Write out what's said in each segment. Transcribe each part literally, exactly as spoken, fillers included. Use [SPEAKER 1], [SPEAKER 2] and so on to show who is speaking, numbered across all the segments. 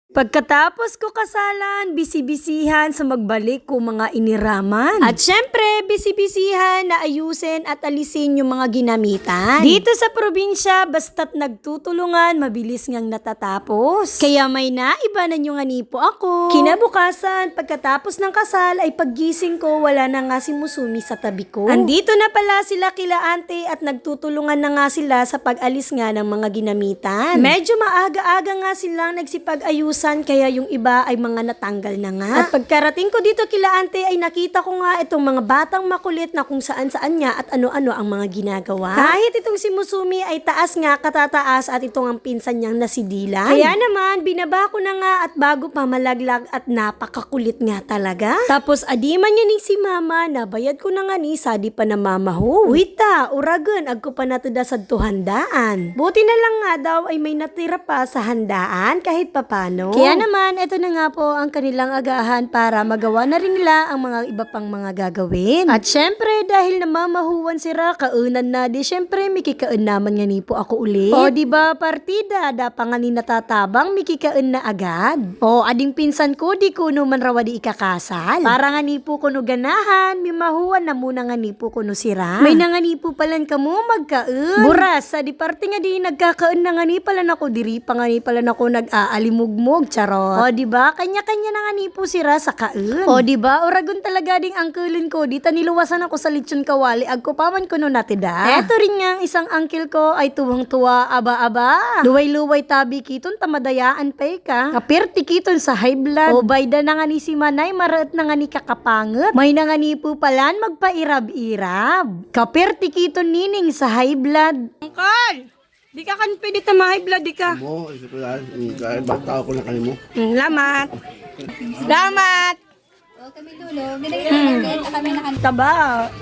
[SPEAKER 1] Pagkatapos ko kasalan, bisi-bisihan sa magbalik ko mga iniraman. At syempre, bisi-bisihan na ayusin at alisin yung mga ginamitan. Dito sa probinsya, basta't nagtutulungan, mabilis ngang natatapos. Kaya may naibanan yung anipo ako. Kinabukasan, pagkatapos ng kasal, ay paggising ko, wala na nga si Musumi sa tabi ko. Andito na pala sila kila ante at nagtutulungan na nga sila sa pag-alis nga ng mga ginamitan. Medyo maaga-aga nga silang nagsipag-ayusan, kaya yung iba ay mga natanggal na nga. At pagkarating ko dito kila ante ay nakita ko nga itong mga batang makulit na kung saan-saan niya at ano-ano ang mga ginagawa. Kahit itong si Musumi ay taas nga katataas at itong ang pinsan niyang na si Dylan. Kaya naman binaba ko na nga at bago pa malaglag at napakakulit nga talaga. Tapos adiman niya ni si mama, nabayad ko na nga ni sa di pa na mamaho. Wita, uragan, agko pa natuda sa tuhandaan. Buti na lang nga daw ay may natira pa sa handaan kahit papano. Kaya naman, ito na nga po ang kanilang agahan para magawa na rin nila ang mga iba pang mga gagawin. At syempre, dahil namamahuwan sila, kaunan na, di syempre, mikikaon naman nga ni po ako ulit. O, diba, partida, dapa nga ni natatabang, mikikaon na agad. O, ading pinsan ko, di kuno man rawa di ikakasal. Para nga ni po kuno ganahan, mimahuwan na muna nga ni po kuno sira. May na nga ni po palan kamo magkaon. Buras, sa di parte nga di nagkakaon na nga ni palan ako, diri pa nga ni palan ako nag-aalimugmog, charot. O, diba, kanya-kanya na nga ni po sira sa kaon. O, diba, oragon talaga ding angkulin ko, di taniluwasan ako sa lechon kawali, agko paman kuno natida. Eto rin nga ang isang uncle ko ay tuwang-tuwa, aba-aba. Luway-luway tabi kiton, tamadayaan pa ka. Kapirti kiton sa high blood. O, bayda na nga ni si Manay, maraat na nga ni kakapangot. May na nga ni po palan, magpairab-irab. Kapirti kiton nining sa high blood.
[SPEAKER 2] Uncle! Di ka kan pwede tamahay blood, di ka.
[SPEAKER 3] Mo, isa ko yan. Kahit bata ako na kanimo.
[SPEAKER 2] Mm, Lamat. Lamat!
[SPEAKER 4] O kami dulo, ginagawa natin, kami nakan.
[SPEAKER 2] Taba.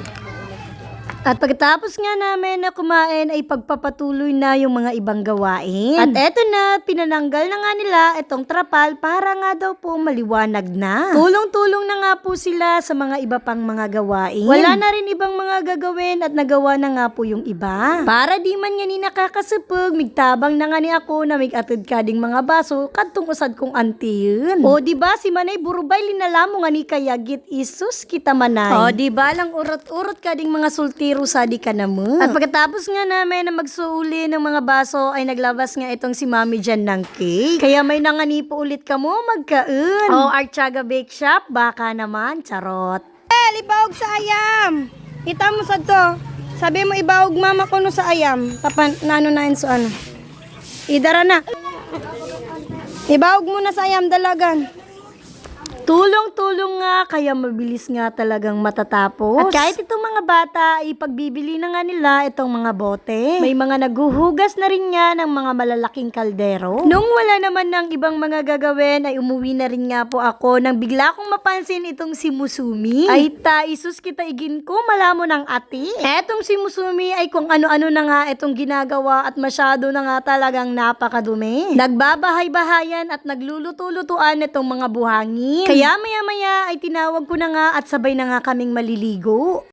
[SPEAKER 1] At pagkatapos nga namin na kumain ay pagpapatuloy na yung mga ibang gawain. At eto na, pinananggal na nga nila itong trapal para nga daw po maliwanag na. Tulong-tulong na nga po sila sa mga iba pang mga gawain. Wala na rin ibang mga gagawin at nagawa na nga po yung iba. Para di man nga ni nakakasupog, migtabang na nga ni ako na migatid kading mga baso kadtong usad kong antiyon. O diba si Manay burubay linalamo nga ni kayagit isus kita Manay. O diba lang urot-urot kading mga sultiro sa di ka na mo. At pagkatapos nga namin na magsuuli ng mga baso ay naglabas nga itong si Mami dyan ng cake. Kaya may nanganipo ulit ka mo magkaon. O Archaga Bake Shop, baka naman, charot.
[SPEAKER 2] Eh, ibawag sa ayam. Kita mo sa to. Sabi mo ibawag mama ko no sa ayam. Tapan, nano na yun sa ano. Idara na. Ibawag mo na sa ayam dalagan.
[SPEAKER 1] Tulong-tulong nga, kaya mabilis nga talagang matatapos. At kahit itong mga bata, ipagbibili na nga nila itong mga bote. May mga naguhugas na rin nga ng mga malalaking kaldero. Nung wala naman ng ibang mga gagawin, ay umuwi na rin nga po ako nang bigla kong mapansin itong si Musumi. Ay ta, isus kita igin ko, malamo ng ati. Etong si Musumi ay kung ano-ano na nga itong ginagawa at masyado na nga talagang napakadumi. Nagbabahay-bahayan at nagluluto-lutuan itong mga buhangin. Kaya maya-maya ay tinawag ko na nga at sabay na nga kaming maliligo.